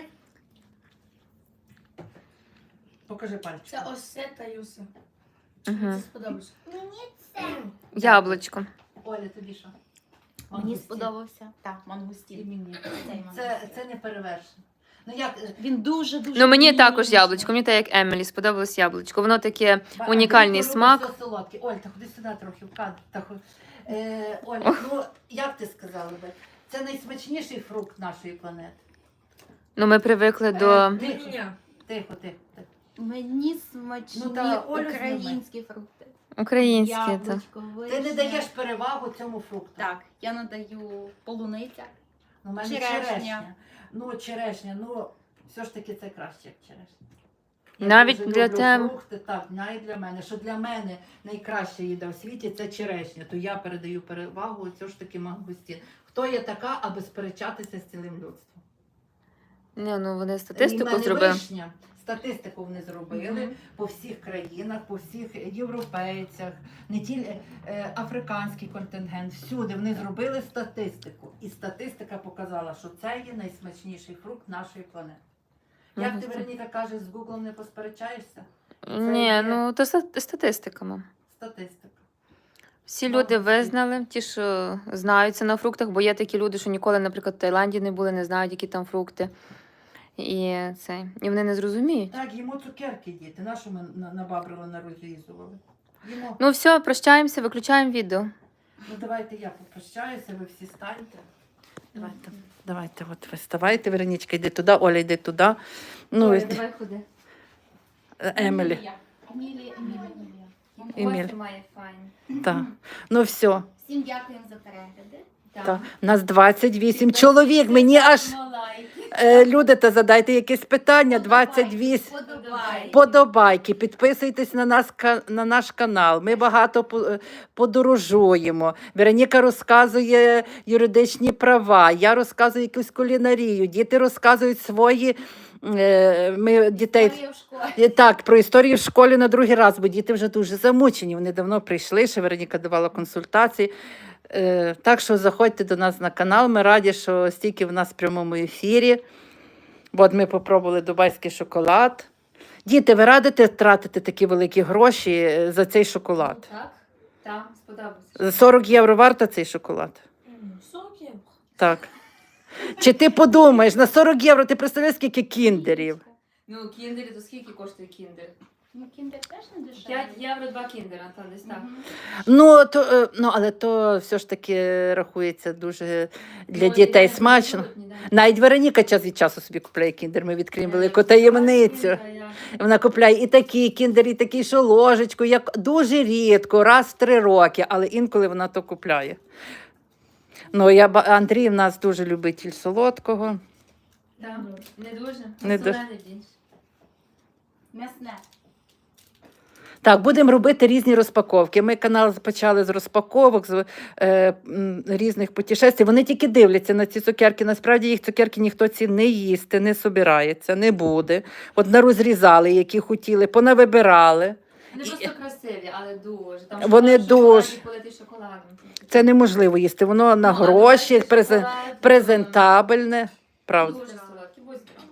[SPEAKER 2] Покажи пальчик.
[SPEAKER 3] це ось це та юса.
[SPEAKER 1] Угу.
[SPEAKER 3] Це сподобалося.
[SPEAKER 5] Мені це.
[SPEAKER 1] Яблучко.
[SPEAKER 2] Оля, тобі що?
[SPEAKER 4] Мені
[SPEAKER 2] Мангустін.
[SPEAKER 4] сподобався. Так,
[SPEAKER 2] І
[SPEAKER 4] мангустін.
[SPEAKER 2] мені.
[SPEAKER 4] Цей
[SPEAKER 2] Це,
[SPEAKER 4] мангустін.
[SPEAKER 2] це не перевершено. Ну як,
[SPEAKER 4] Він дуже-дуже...
[SPEAKER 1] Ну мені також
[SPEAKER 4] ніжний.
[SPEAKER 1] яблучко, мені так як Емілі сподобалось яблучко. Воно таке
[SPEAKER 2] Ба-
[SPEAKER 1] унікальний
[SPEAKER 2] Андрійко
[SPEAKER 1] смак.
[SPEAKER 2] любить все солодке. Оль, та ходи сюди трохи в кадр. Та хо- Е, Оль, ну як ти сказала би? Це найсмачніший фрукт нашої планети.
[SPEAKER 1] Ну ми привикли
[SPEAKER 2] Е,
[SPEAKER 1] до.
[SPEAKER 2] Тихо,
[SPEAKER 3] Ні.
[SPEAKER 2] тихо, тихо. тихо.
[SPEAKER 4] Мені смачні
[SPEAKER 2] Ну, та Олю
[SPEAKER 4] українські фрукти.
[SPEAKER 1] Українські. Та.
[SPEAKER 4] Яблучко,
[SPEAKER 2] Ти не
[SPEAKER 4] вишня.
[SPEAKER 2] даєш перевагу цьому фрукту.
[SPEAKER 4] Так, я надаю полуниця.
[SPEAKER 2] Ну, в мене
[SPEAKER 4] Черешня.
[SPEAKER 2] черешня. Ну, черешня, ну, все ж таки це краще, як черешня. Я
[SPEAKER 1] Навіть
[SPEAKER 2] дуже
[SPEAKER 1] для
[SPEAKER 2] люблю
[SPEAKER 1] тебе.
[SPEAKER 2] фрукти, так, навіть для мене. Що для мене найкраща їда в світі це черешня, то я передаю перевагу все ж таки мангустін. Хто є така, аби сперечатися з цілим людством?
[SPEAKER 1] Ні, ну вони
[SPEAKER 2] І в
[SPEAKER 1] статистику
[SPEAKER 2] мене
[SPEAKER 1] зробили.
[SPEAKER 2] вишня. Статистику вони зробили
[SPEAKER 1] Мгм.
[SPEAKER 2] по всіх країнах, по всіх європейцях, не тільки е, африканський контингент, всюди вони зробили статистику. І статистика показала, що це є найсмачніший фрукт нашої планети. Як ти,
[SPEAKER 1] Мгм.
[SPEAKER 2] Вероніка, кажеш, з Гуглом не посперечаєшся?
[SPEAKER 1] Ні,
[SPEAKER 2] є-
[SPEAKER 1] ну то ста- статистика, мам.
[SPEAKER 2] Статистика.
[SPEAKER 1] Всі
[SPEAKER 2] Молодці.
[SPEAKER 1] люди визнали, ті, що знаються на фруктах, бо є такі люди, що ніколи, наприклад, в Таїланді не були, не знають, які там фрукти. І це. І вони не зрозуміють.
[SPEAKER 2] Так, їмо цукерки, діти. На що ми на- набабрили, нарозрізували? Їмо.
[SPEAKER 1] Ну все, прощаємося, виключаємо відео.
[SPEAKER 2] Ну давайте я попрощаюся, ви всі станьте. Давайте, давайте, от ви ставайте, Веронічка, йди туди, Оля, йди туди. Ну,
[SPEAKER 1] Оля,
[SPEAKER 2] і-
[SPEAKER 1] давай ходи.
[SPEAKER 2] Емілі.
[SPEAKER 4] Емілія, Емілія, Емілія.
[SPEAKER 2] Еміль.
[SPEAKER 1] Костя має файн.
[SPEAKER 2] Так. Ну все.
[SPEAKER 4] Всім дякуємо за перегляди.
[SPEAKER 2] Так. Нас двадцять вісім чоловік. Мені аж е, люди, та задайте якесь питання. двадцять вісім.
[SPEAKER 4] Подобається.
[SPEAKER 1] Подобайки.
[SPEAKER 2] Подобайки, підписуйтесь на нас ка- на наш канал. Ми багато по- е, подорожуємо. Вероніка розказує юридичні права, я розказую якусь кулінарію, діти розказують свої. е, Ми дітей
[SPEAKER 4] Історія в школі.
[SPEAKER 2] Е, так, про історію в школі на другий раз, бо діти вже дуже замучені. Вони давно прийшли, ще Вероніка давала консультації. Е, Так що заходьте до нас на канал. Ми раді, що стільки в нас в прямому ефірі. Бо от ми попробували дубайський шоколад. Діти, ви радите тратити такі великі гроші е, за цей шоколад?
[SPEAKER 1] Так, так, сподобався.
[SPEAKER 2] сорок євро варто цей шоколад?
[SPEAKER 3] сорок євро.
[SPEAKER 2] Так. Чи ти подумаєш, на сорок євро ти представляєш, скільки кіндерів?
[SPEAKER 1] Ну, кіндери, то скільки коштує кіндер?
[SPEAKER 4] Ну, кіндер теж не дешевий.
[SPEAKER 1] п'ять євро два кіндера, та десь так.
[SPEAKER 4] Мгм.
[SPEAKER 2] Ну, то, е, ну, але то все ж таки рахується дуже для
[SPEAKER 1] Ну,
[SPEAKER 2] дітей
[SPEAKER 1] ніде не
[SPEAKER 2] смачно.
[SPEAKER 1] продають, ніде не
[SPEAKER 2] Навіть Вероніка час від часу собі купляє кіндер. Ми відкриємо
[SPEAKER 1] продають.
[SPEAKER 2] велику таємницю.
[SPEAKER 1] Кіндера, я-
[SPEAKER 2] Вона купляє і такі кіндер, і такі, що ложечку, як дуже рідко, раз в три роки, але інколи вона то купляє. Ну, я, ба- Андрій в нас дуже любитель солодкого.
[SPEAKER 1] Так, не дуже.
[SPEAKER 2] Не дуже.
[SPEAKER 1] Солений більш.
[SPEAKER 4] М'ясне.
[SPEAKER 2] Так, будемо робити різні розпаковки. Ми канал почали з розпаковок, з е, м, різних путешествий. Вони тільки дивляться на ці цукерки. Насправді їх цукерки ніхто ці не їсти, не собирається, не буде. От нарозрізали, які хотіли, понавибирали.
[SPEAKER 1] Вони просто красиві, але дуже. Там
[SPEAKER 2] Вони
[SPEAKER 1] шоколад,
[SPEAKER 2] дуже.
[SPEAKER 1] шоколад і политий шоколадом.
[SPEAKER 2] Це неможливо їсти. Воно на
[SPEAKER 1] Ну, а
[SPEAKER 2] гроші,
[SPEAKER 1] дубайський
[SPEAKER 2] презен-
[SPEAKER 1] шоколад,
[SPEAKER 2] презентабельне. Правда.
[SPEAKER 1] Дуже солодкий. Будь здорова.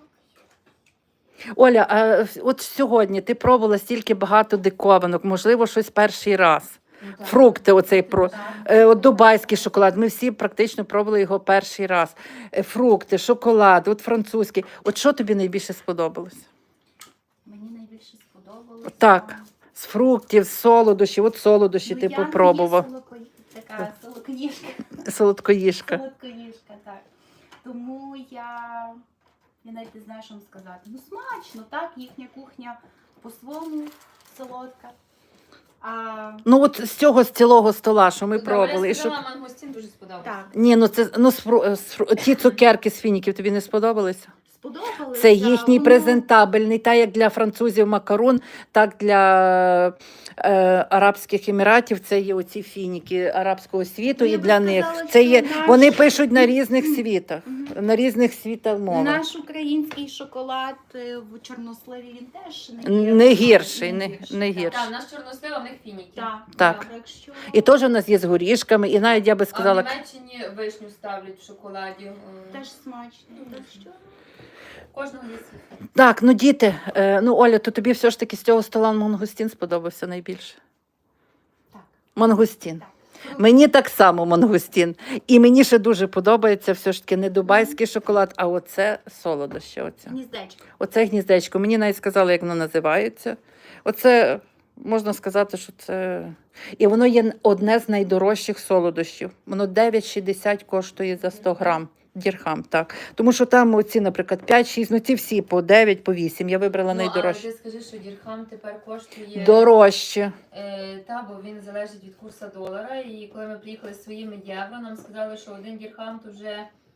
[SPEAKER 2] Оля, а от сьогодні ти пробувала стільки багато диковинок, можливо, щось перший раз.
[SPEAKER 1] Ну, так.
[SPEAKER 2] Фрукти, оцей про е, от дубайський шоколад. Ми всі практично пробували його перший раз. Е, Фрукти, шоколад, от французький. От що тобі найбільше сподобалось?
[SPEAKER 4] Мені найбільше сподобалося.
[SPEAKER 2] Так, з фруктів, з солодощів. От солодощі
[SPEAKER 4] Ну,
[SPEAKER 2] ти
[SPEAKER 4] я не є
[SPEAKER 2] попробував.
[SPEAKER 4] солодко- Така солодкоїжка.
[SPEAKER 2] Солодкоїжка.
[SPEAKER 4] Солодкоїжка, так. Тому я, я навіть не знаю, що вам сказати. Ну, смачно, так, їхня кухня по-своєму солодка. А,
[SPEAKER 2] Ну от з цього з цілого стола, що ми
[SPEAKER 1] Добре,
[SPEAKER 2] пробували.
[SPEAKER 1] Я
[SPEAKER 2] і що...
[SPEAKER 1] сказала, мангустин дуже сподобався.
[SPEAKER 4] так,
[SPEAKER 2] Ні, ну це ну, з фру- з фру- ті цукерки з фініків тобі не сподобалися?
[SPEAKER 4] сподобалося.
[SPEAKER 2] Це їхній
[SPEAKER 4] воно-
[SPEAKER 2] презентабельний, так як для французів макарон, так для е, Арабських Еміратів. Це є оці фініки арабського світу,
[SPEAKER 4] Ну, я
[SPEAKER 2] і
[SPEAKER 4] би
[SPEAKER 2] для
[SPEAKER 4] сказала,
[SPEAKER 2] них
[SPEAKER 4] що
[SPEAKER 2] це є.
[SPEAKER 4] наш-
[SPEAKER 2] Вони пишуть на різних світах, на різних світах мовах.
[SPEAKER 4] Наш український шоколад е, в чорносливі він теж не, є-
[SPEAKER 2] Не гірший, не, не гірший.
[SPEAKER 1] Так, наш чорнослив, а в них фініки.
[SPEAKER 4] Так,
[SPEAKER 2] Так.
[SPEAKER 4] так що...
[SPEAKER 2] І теж у нас є з горішками, і навіть я би
[SPEAKER 1] А в
[SPEAKER 2] сказала,
[SPEAKER 1] Німеччині вишню ставлять в шоколаді. М,
[SPEAKER 4] Теж смачно. Так що...
[SPEAKER 1] Кожного є свій.
[SPEAKER 2] так, ну діти, е, ну Оля, то тобі все ж таки з цього стола мангустін сподобався найбільше.
[SPEAKER 4] Так.
[SPEAKER 2] Мангустін.
[SPEAKER 4] Так.
[SPEAKER 2] Мені так само мангустін. І мені ще дуже подобається все ж таки не дубайський шоколад, а оце солодощі. Оце.
[SPEAKER 4] Гніздечко.
[SPEAKER 2] Оце гніздечко. Мені навіть сказали, як воно називається. Оце, можна сказати, що це... І воно є одне з найдорожчих солодощів. Воно дев'ять шістдесят коштує за сто грам. Дірхам, так. Тому що там оці, наприклад, п'ять-шість, ну ці всі по дев'ять, по вісім. Я вибрала
[SPEAKER 1] Ну, але
[SPEAKER 2] найдорожчі.
[SPEAKER 1] ти скажи, що дірхам тепер коштує...
[SPEAKER 2] Дорожче.
[SPEAKER 1] Е, та, бо він залежить від курсу долара. І коли ми приїхали з своїми євро, нам сказали, що один дірхам то вже...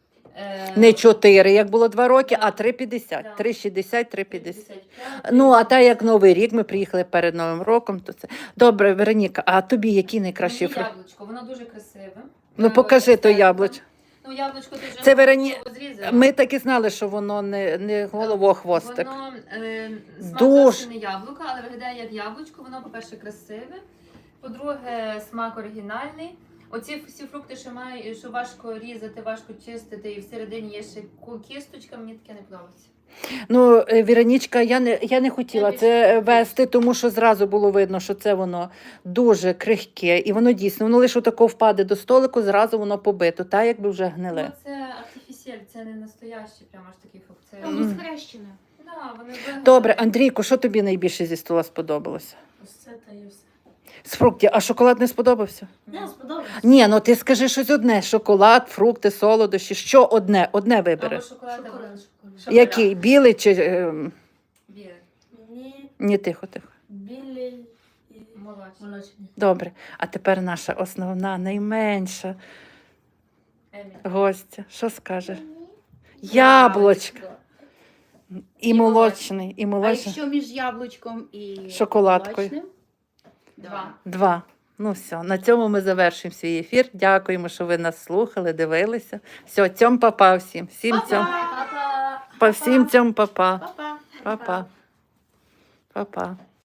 [SPEAKER 1] Е,
[SPEAKER 2] Не чотири, як було два роки, а три п'ятдесят.
[SPEAKER 1] Так.
[SPEAKER 2] три шістдесят, три п'ятдесят.
[SPEAKER 1] п'ятдесят п'ять.
[SPEAKER 2] Ну, а та як Новий рік, ми приїхали перед Новим роком, то це. Добре, Вероніка, а тобі який найкращий
[SPEAKER 1] Мені
[SPEAKER 2] фрукт?
[SPEAKER 1] яблучко, воно дуже красиве.
[SPEAKER 2] Ну,
[SPEAKER 1] Е,
[SPEAKER 2] покажи
[SPEAKER 1] ось
[SPEAKER 2] то
[SPEAKER 1] так.
[SPEAKER 2] яблуч.
[SPEAKER 1] Ну, яблучко ти вже
[SPEAKER 2] Це Вероні-
[SPEAKER 1] зрізала.
[SPEAKER 2] Ми так і знали, що воно не, не головохвостик.
[SPEAKER 1] Воно е, смак
[SPEAKER 2] Дуже.
[SPEAKER 1] зовсім не яблука, але виглядає як яблучко. Воно, по-перше, красиве. По-друге, смак оригінальний. Оці всі фрукти, що має, що важко різати, важко чистити, і всередині є ще ку- кісточка, мені таке не подобається.
[SPEAKER 2] Ну, е, Віронічка, я не, я не хотіла
[SPEAKER 1] Я
[SPEAKER 2] це
[SPEAKER 1] більше-
[SPEAKER 2] вести, тому що зразу було видно, що це воно дуже крихке. І воно дійсно, воно лише тако впаде до столику, зразу воно побито, та якби вже гниле.
[SPEAKER 1] Ну, це артифісель, це не настоящий, прямо ж такий фрукт. Це...
[SPEAKER 4] Воно схрещене.
[SPEAKER 1] Да, вони вигадали.
[SPEAKER 2] Добре, Андрійко, що тобі найбільше зі стола сподобалося?
[SPEAKER 3] Ось це та і все.
[SPEAKER 2] З фруктів, а шоколад не сподобався?
[SPEAKER 3] Не, сподобалось.
[SPEAKER 2] Ні, ну ти скажи щось одне: шоколад, фрукти, солодощі. Що одне? Одне вибери.
[SPEAKER 1] Або шоколад, або
[SPEAKER 3] Шоколад.
[SPEAKER 1] шоколад.
[SPEAKER 2] Який? Білий чи. ем,
[SPEAKER 1] Білий,
[SPEAKER 3] Мені
[SPEAKER 2] Ні, тихо, тихо.
[SPEAKER 3] білий і
[SPEAKER 1] молочний.
[SPEAKER 3] молочний.
[SPEAKER 2] Добре. А тепер наша основна, найменша
[SPEAKER 1] Еміль.
[SPEAKER 2] гостя. Що скаже? Яблочко. І молочний, і
[SPEAKER 4] А
[SPEAKER 2] молочний.
[SPEAKER 4] якщо між яблучком і
[SPEAKER 2] Шоколадкою?
[SPEAKER 4] молочним? Два.
[SPEAKER 2] Два. Ну все, на цьому ми завершимо свій ефір. Дякуємо, що ви нас слухали, дивилися. Все, цьом папа всім. Всім цьом.
[SPEAKER 4] Па-па!
[SPEAKER 2] По всім цьом папа.
[SPEAKER 4] Па-па!
[SPEAKER 2] Папа. Папа.